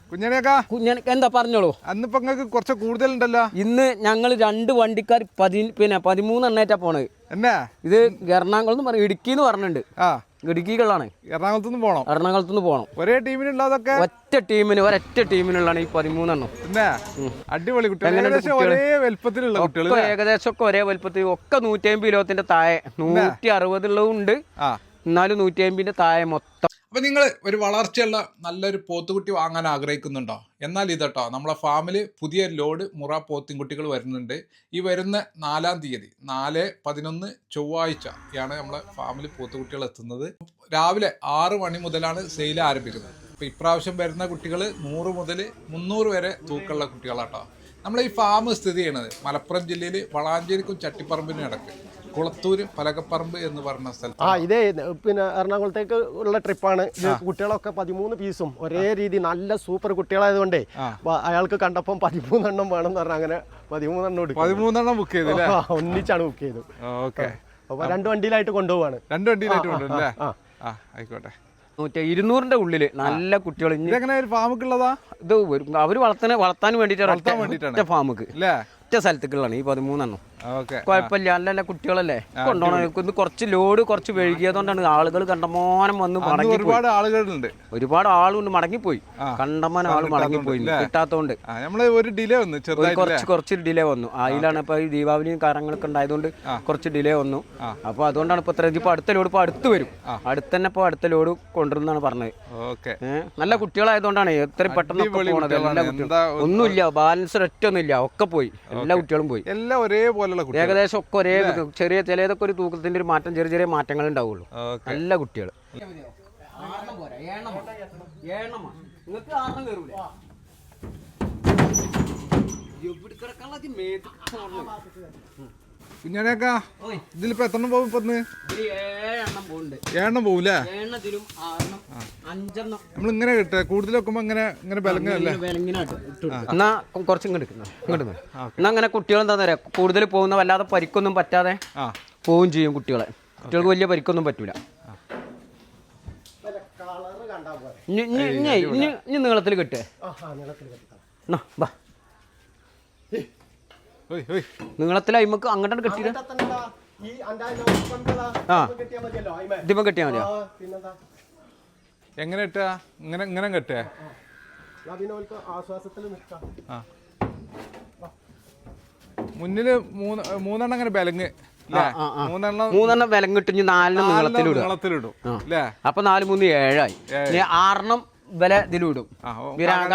കുഞ്ഞനക്ക എന്താ പറഞ്ഞോളൂ. അന്നിപ്പോ നിങ്ങൾക്ക് കുറച്ച് കൂടുതലുണ്ടല്ലോ. ഇന്ന് ഞങ്ങൾ 2 വണ്ടിക്കാർ 13 എണ്ണേറ്റാ പോണത്. എന്നാ ഇത് എറണാകുളം പറയും, ഇടുക്കിന്ന് പറഞ്ഞിട്ടുണ്ട്. ഇടുക്കികളാണ്. എറണാകുളത്തുനിന്ന് പോകണം. ഒരേ ടീമിനുള്ളതൊക്കെ ഒറ്റ ടീമിനുള്ളതാണ് ഈ 13 എണ്ണം. അടിപൊളി കുട്ടികൾ, ഏകദേശം ഒക്കെ ഒരേ വലുപ്പത്തിൽ ഒക്കെ 150 കിലോത്തിന്റെ താഴെ, 160 ഉള്ളതും ഉണ്ട്, എന്നാലും 150ന്റെ താഴെ മൊത്തം. അപ്പോൾ നിങ്ങൾ ഒരു വളർച്ചയുള്ള നല്ലൊരു പോത്തുകുട്ടി വാങ്ങാൻ ആഗ്രഹിക്കുന്നുണ്ടോ? എന്നാൽ ഇതട്ടോ, നമ്മളെ ഫാമിൽ പുതിയ ലോഡ് മുറ പോത്തിൻകുട്ടികൾ വരുന്നുണ്ട്. ഈ വരുന്ന 4-ാം തീയതി 4/11 ചൊവ്വാഴ്ചയാണ് നമ്മളെ ഫാമിൽ പോത്തുകുട്ടികൾ എത്തുന്നത്. രാവിലെ 6 മണി മുതലാണ് സെയിൽ ആരംഭിക്കുന്നത്. അപ്പോൾ ഇപ്രാവശ്യം വരുന്ന കുട്ടികൾ 100 മുതൽ 300 വരെ തൂക്കമുള്ള കുട്ടികളാട്ടോ. നമ്മളെ ഈ ഫാം സ്ഥിതി ചെയ്യണത് മലപ്പുറം ജില്ലയിൽ വളാഞ്ചേരിക്കും ചട്ടിപ്പറമ്പിനും ഇടയ്ക്ക് കുളത്തൂര് പലകപ്പറമ്പ് എന്ന് പറഞ്ഞ സ്ഥലത്ത്. ഇതേ പിന്നെ എറണാകുളത്തേക്ക് ഉള്ള ട്രിപ്പാണ്. കുട്ടികളൊക്കെ 13 പീസും ഒരേ രീതി നല്ല സൂപ്പർ കുട്ടികളായതുകൊണ്ടേ അയാൾക്ക് കണ്ടപ്പം 13 എണ്ണം വേണം എന്ന് പറഞ്ഞാൽ അങ്ങനെ 13 എണ്ണം ബുക്ക് ചെയ്തു. ഒന്നിച്ചാണ് ബുക്ക് ചെയ്തു. അപ്പൊ 2 വണ്ടിയിലായിട്ട് കൊണ്ടുപോവാണ്. 2 വണ്ടിയിലായിട്ട് കൊണ്ടുപോകും. ആയിക്കോട്ടെ. 200-ന്റെ ഉള്ളില് നല്ല കുട്ടികൾ. ഫാമുക്കുള്ളതാ ഇത് അവര് വളർത്താൻ വേണ്ടിട്ടാണ് ഫാമുക്ക് ഒറ്റ സ്ഥലത്തേക്കുള്ളതാണ് ഈ 13 എണ്ണം. കുഴപ്പമില്ല, നല്ല കുട്ടികളല്ലേ കൊണ്ടുപോകണം. കുറച്ച് ലോഡ് കുറച്ച് വൈകിയതുകൊണ്ടാണ് ആളുകൾ കണ്ടമാനം വന്ന് മടങ്ങി. ഒരുപാട് ആളുണ്ട്, മടങ്ങിപ്പോയി. കണ്ടമാനം ആള് മടങ്ങിപ്പോയി കിട്ടാത്തോണ്ട് കുറച്ച് ഡിലേ വന്നു. അതിലാണ് ഇപ്പൊ ഈ ദീപാവലിയും കാര്യങ്ങളൊക്കെ ഉണ്ടായതുകൊണ്ട് കുറച്ച് ഡിലേ വന്നു. അപ്പൊ അതുകൊണ്ടാണ് ഇപ്പൊ ഇപ്പൊ അടുത്ത ലോഡ് ഇപ്പൊ അടുത്ത് വരും. തന്നെ ഇപ്പൊ അടുത്ത ലോഡ് കൊണ്ടുവരുന്നാണ് പറഞ്ഞത്. നല്ല കുട്ടികളായതുകൊണ്ടാണ് എത്രയും പെട്ടെന്ന് പോണത്. എല്ലാ കുട്ടികളും ഒന്നുമില്ല, ബാലൻസ് ഒറ്റൊന്നുമില്ല, ഒക്കെ പോയി. എല്ലാ കുട്ടികളും പോയി. എല്ലാം ഒരേപോലെ ഏകദേശം ഒക്കെ ഒരേ ചെറിയ ചിലതൊക്കെ ഒരു തൂക്കത്തിന്റെ ഒരു മാറ്റം, ചെറിയ മാറ്റങ്ങൾ ഉണ്ടാവുള്ളൂ. നല്ല കുട്ടികൾ. കുഞ്ഞാനേക്കാ ഇതിലിപ്പോ എത്രണ്ണം പോകും? 7 എണ്ണം പോകൂലേ? നമ്മളിങ്ങനെ കിട്ടുക കൂടുതൽ വെക്കുമ്പോ ഇങ്ങനെ ബലങ്ങനല്ലേ? എന്നാ കുറച്ച് എന്നാ അങ്ങനെ കുട്ടികൾ എന്താ പറയാ, കൂടുതൽ പോകുന്ന വല്ലാതെ പരിക്കൊന്നും പറ്റാതെ പോവും ചെയ്യും. കുട്ടികൾക്ക് വലിയ പരിക്കൊന്നും പറ്റൂല. ഇനി നീളത്തിൽ കെട്ടേ. നീളത്തിൽ അയിമക്ക് അങ്ങോട്ടാണ് കെട്ടിട്ട് ഇതിമ കെട്ടിയാ മതിയോ? എങ്ങനെ ഇട്ടാ? ഇങ്ങനെ കെട്ടേ? മുന്നില് 3 എണ്ണം അങ്ങനെ ബലങ്ങ്, 3 എണ്ണം വിലങ്ങിട്ട് 4 നീളത്തിലിടും. അപ്പൊ 4 3 7 ആയി. 6 വില ഇതിലിടും.